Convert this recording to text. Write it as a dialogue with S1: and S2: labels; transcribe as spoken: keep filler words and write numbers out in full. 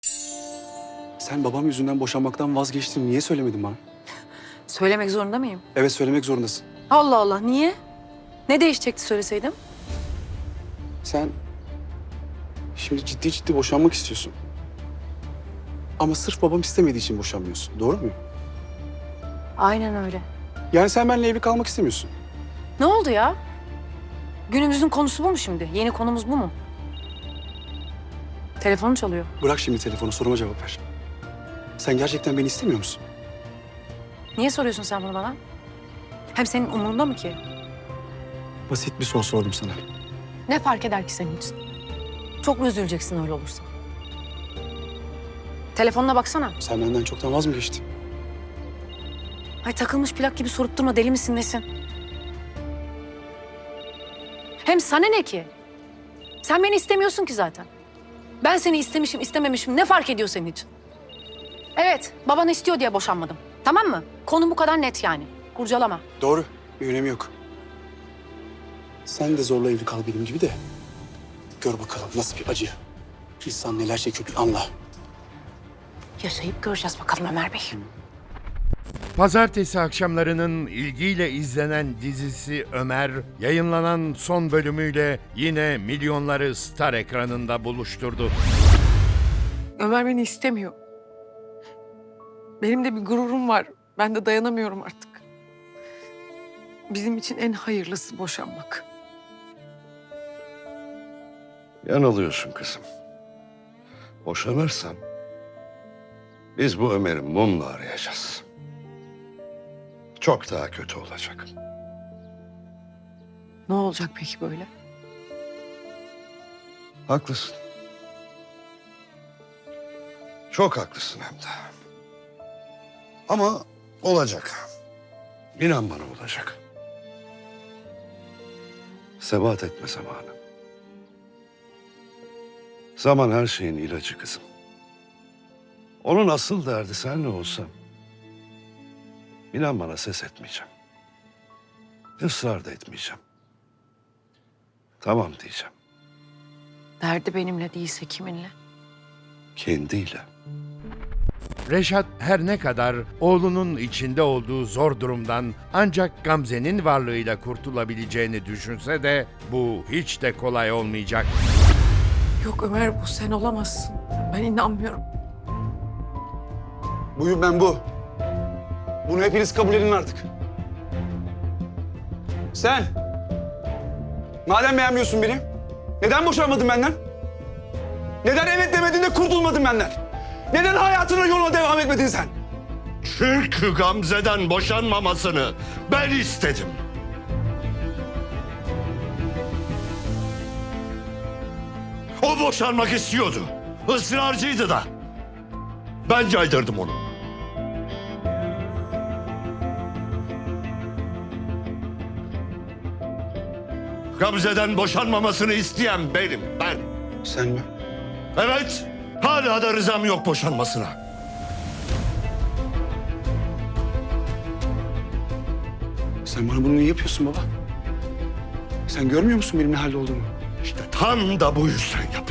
S1: Sen babam yüzünden boşanmaktan vazgeçtin. Niye söylemedin bana?
S2: Söylemek zorunda mıyım?
S1: Evet, söylemek zorundasın.
S2: Allah Allah, niye? Ne değişecekti söyleseydim?
S1: Sen şimdi ciddi ciddi boşanmak istiyorsun. Ama sırf babam istemediği için boşanmıyorsun. Doğru mu?
S2: Aynen öyle.
S1: Yani sen benimle evli kalmak istemiyorsun.
S2: Ne oldu ya? Günümüzün konusu bu mu şimdi? Yeni konumuz bu mu? Telefonu çalıyor.
S1: Bırak şimdi telefonu, soruma cevap ver. Sen gerçekten beni istemiyor musun?
S2: Niye soruyorsun sen bunu bana? Hem senin umurunda mı ki?
S1: Basit bir soru sordum sana.
S2: Ne fark eder ki senin için? Çok mu üzüleceksin öyle olursa? Telefonuna baksana.
S1: Sen benden çoktan vaz mı geçtin?
S2: Ay takılmış plak gibi sorup durma, deli misin nesin? Hem sana ne ki? Sen beni istemiyorsun ki zaten. Ben seni istemişim istememişim ne fark ediyor senin için? Evet, baban istiyor diye boşanmadım. Tamam mı? Konu bu kadar net yani. Kurcalama.
S1: Doğru, bir önemi yok. Sen de zorla evli kal benim gibi de. Gör bakalım nasıl bir acı. İnsan neler çekiyor bir anla.
S2: Yaşayıp göreceğiz bakalım Ömer Bey.
S3: Pazartesi akşamlarının ilgiyle izlenen dizisi Ömer, yayınlanan son bölümüyle yine milyonları Star ekranında buluşturdu.
S4: Ömer beni istemiyor. Benim de bir gururum var. Ben de dayanamıyorum artık. Bizim için en hayırlısı boşanmak.
S5: Yanılıyorsun kızım. Boşanırsan biz bu Ömer'i mumla arayacağız. Çok daha kötü olacak.
S4: Ne olacak peki böyle?
S5: Haklısın. Çok haklısın hem de. Ama olacak. İnan bana olacak. Sebat etme zamanı. Zaman her şeyin ilacı kızım. Onun asıl derdi senle olsam, İnan bana ses etmeyeceğim. Israr da etmeyeceğim. Tamam diyeceğim.
S4: Derdi benimle değilse kiminle?
S5: Kendiyle.
S3: Reşat her ne kadar oğlunun içinde olduğu zor durumdan ancak Gamze'nin varlığıyla kurtulabileceğini düşünse de bu hiç de kolay olmayacak.
S4: Yok Ömer bu sen olamazsın. Ben inanmıyorum.
S1: Buyum ben bu. Bunu hepiniz kabul edin artık. Sen, madem beğenmiyorsun beni, neden boşanmadın benden? Neden evet demedin de kurtulmadın benden? Neden hayatına yoluna devam etmedin sen?
S5: Çünkü Gamze'den boşanmamasını ben istedim. O boşanmak istiyordu. Israrcıydı da. Ben caydırdım onu. Gamze'den boşanmamasını isteyen benim, ben.
S1: Sen mi?
S5: Evet, hala da rızam yok boşanmasına.
S1: Sen bana bunu niye yapıyorsun baba? Sen görmüyor musun benim ne halde olduğumu?
S5: İşte tam da bu yüzden yapıyorum.